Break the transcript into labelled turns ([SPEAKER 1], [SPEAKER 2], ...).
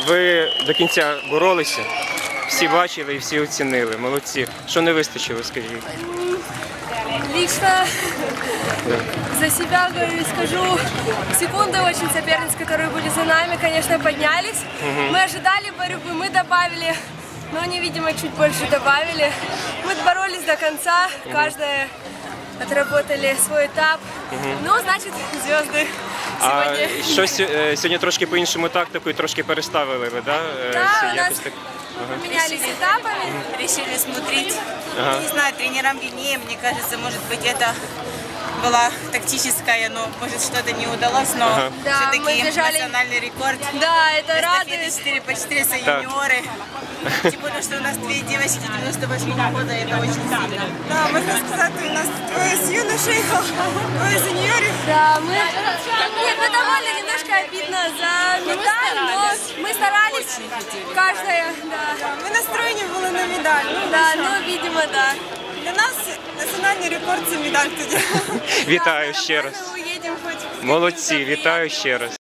[SPEAKER 1] Ви до кінця боролися, всі бачили і всі оцінили. Молодці. Що не вистачило, скажіть?
[SPEAKER 2] Лично за себя говорю и скажу, секунды очень соперниц, которые были за нами, конечно, поднялись. Мы ожидали борьбы, мы добавили, но они, видимо, чуть больше добавили. Мы боролись до конца, каждая отработали свой этап. Ну, значит, звезды сегодня.
[SPEAKER 1] А щось сьогодні трошки по-іншому тактику і трошки переставили ви, да?
[SPEAKER 2] Да, у нас
[SPEAKER 1] Якось так.
[SPEAKER 2] поменялись этапами.
[SPEAKER 3] Решили смотреть. Не знаю, тренерам виднее, мне кажется, может быть, это была тактическая, но может что-то не удалось, но
[SPEAKER 2] Да, мы
[SPEAKER 3] все-таки
[SPEAKER 2] бежали-
[SPEAKER 3] национальный рекорд.
[SPEAKER 2] Да, это
[SPEAKER 3] Эстафеты
[SPEAKER 2] радует.
[SPEAKER 3] 4x4 за юниоры. Тем более, что у нас две девочки 98 года, это очень сильно.
[SPEAKER 4] Да, можна сказати, у нас двоє з юношей, двоє з юніорів.
[SPEAKER 2] Да, мы... Нет, мы довольно немножко обидно за медаль, но мы старались. Каждая, да.
[SPEAKER 4] Ми настроєні були на медаль. Ну,
[SPEAKER 2] Да, ну, видимо, да.
[SPEAKER 4] для нас національний рекорд – це медаль тоді.
[SPEAKER 1] Вітаю ще раз.
[SPEAKER 4] Ми уїдемо хоч.
[SPEAKER 1] Молодці, вітаю ще раз.